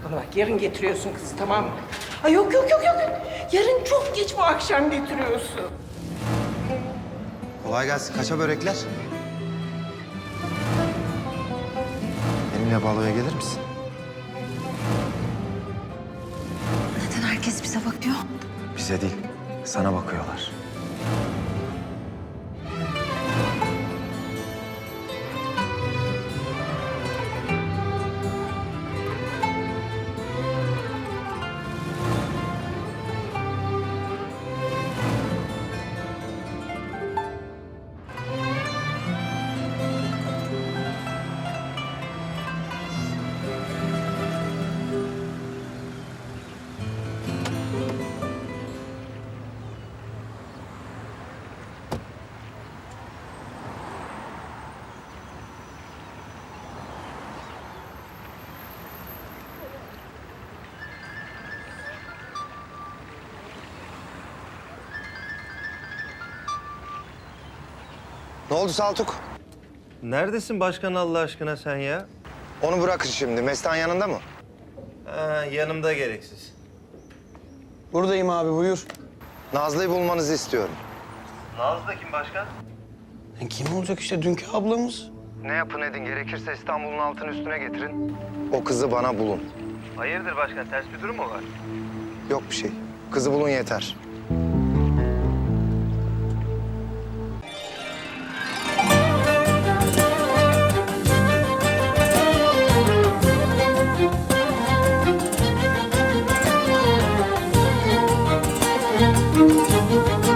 Bana bak, yarın getiriyorsun kızı, tamam mı? Ay yok yok yok yok. Yarın çok geç, bu akşam getiriyorsun. Kolay gelsin. Kaça börekler? Benimle baloya gelir misin? Neden herkes bize bakıyor? Bize değil, sana bakıyorlar. Ne oldu Saltuk? Neredesin başkan Allah aşkına sen ya? Onu bırakın şimdi. Mestan yanında mı? Ha, yanımda gereksiz. Buradayım abi, buyur. Nazlı'yı bulmanızı istiyorum. Nazlı da kim başkan? Kim olacak işte, dünkü ablamız. Ne yapın edin, gerekirse İstanbul'un altını üstüne getirin. O kızı bana bulun. Hayırdır başkan, ters bir durum mu var? Yok bir şey. Kızı bulun yeter.